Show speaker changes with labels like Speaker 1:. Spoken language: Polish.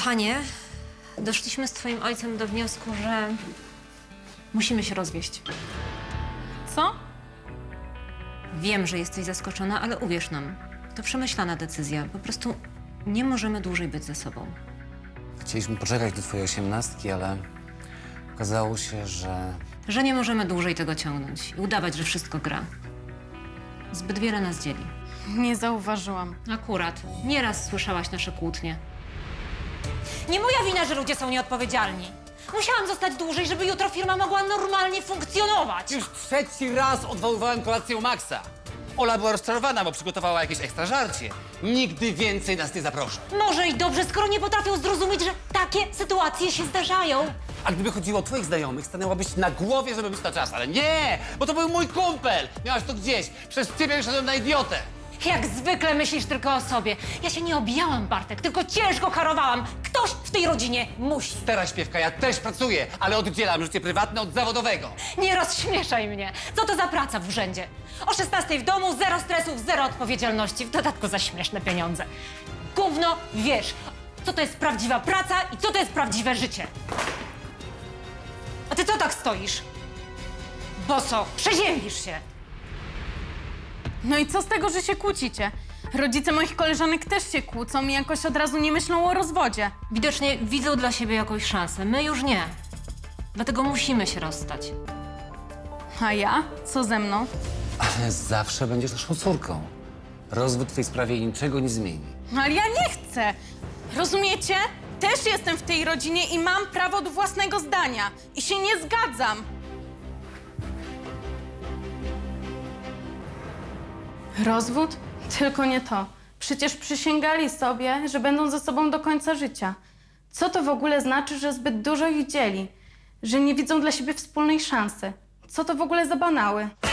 Speaker 1: Kochanie, doszliśmy z twoim ojcem do wniosku, że musimy się rozwieść.
Speaker 2: Co?
Speaker 1: Wiem, że jesteś zaskoczona, ale uwierz nam, to przemyślana decyzja. Po prostu nie możemy dłużej być ze sobą.
Speaker 3: Chcieliśmy poczekać do twojej 18, ale okazało się,
Speaker 1: Że nie możemy dłużej tego ciągnąć i udawać, że wszystko gra. Zbyt wiele nas dzieli.
Speaker 2: Nie zauważyłam.
Speaker 1: Akurat. Nieraz słyszałaś nasze kłótnie. Nie moja wina, że ludzie są nieodpowiedzialni. Musiałam zostać dłużej, żeby jutro firma mogła normalnie funkcjonować.
Speaker 3: Już trzeci raz odwoływałem kolację u Maxa. Ola była rozczarowana, bo przygotowała jakieś ekstra żarcie. Nigdy więcej nas nie zaproszę.
Speaker 1: Może i dobrze, skoro nie potrafią zrozumieć, że takie sytuacje się zdarzają.
Speaker 3: A gdyby chodziło o twoich znajomych, stanęłabyś na głowie, żeby być na czas. Ale nie, bo to był mój kumpel. Miałaś to gdzieś. Przez ciebie wyszedłem na idiotę.
Speaker 1: Jak zwykle myślisz tylko o sobie. Ja się nie obijałam, Bartek, tylko ciężko karowałam. Ktoś w tej rodzinie musi.
Speaker 3: Teraz śpiewka, ja też pracuję, ale oddzielam życie prywatne od zawodowego.
Speaker 1: Nie rozśmieszaj mnie. Co to za praca w urzędzie? O 16 w domu, zero stresów, zero odpowiedzialności, w dodatku za śmieszne pieniądze. Gówno wiesz, co to jest prawdziwa praca i co to jest prawdziwe życie. A ty co tak stoisz? Boso, przeziębisz się.
Speaker 2: No i co z tego, że się kłócicie? Rodzice moich koleżanek też się kłócą i jakoś od razu nie myślą o rozwodzie.
Speaker 1: Widocznie widzą dla siebie jakąś szansę, my już nie. Dlatego musimy się rozstać.
Speaker 2: A ja? Co ze mną?
Speaker 3: Ale zawsze będziesz naszą córką. Rozwód w tej sprawie niczego nie zmieni.
Speaker 2: No ale ja nie chcę! Rozumiecie? Też jestem w tej rodzinie i mam prawo do własnego zdania. I się nie zgadzam. Rozwód? Tylko nie to. Przecież przysięgali sobie, że będą ze sobą do końca życia. Co to w ogóle znaczy, że zbyt dużo ich dzieli? Że nie widzą dla siebie wspólnej szansy? Co to w ogóle za banały?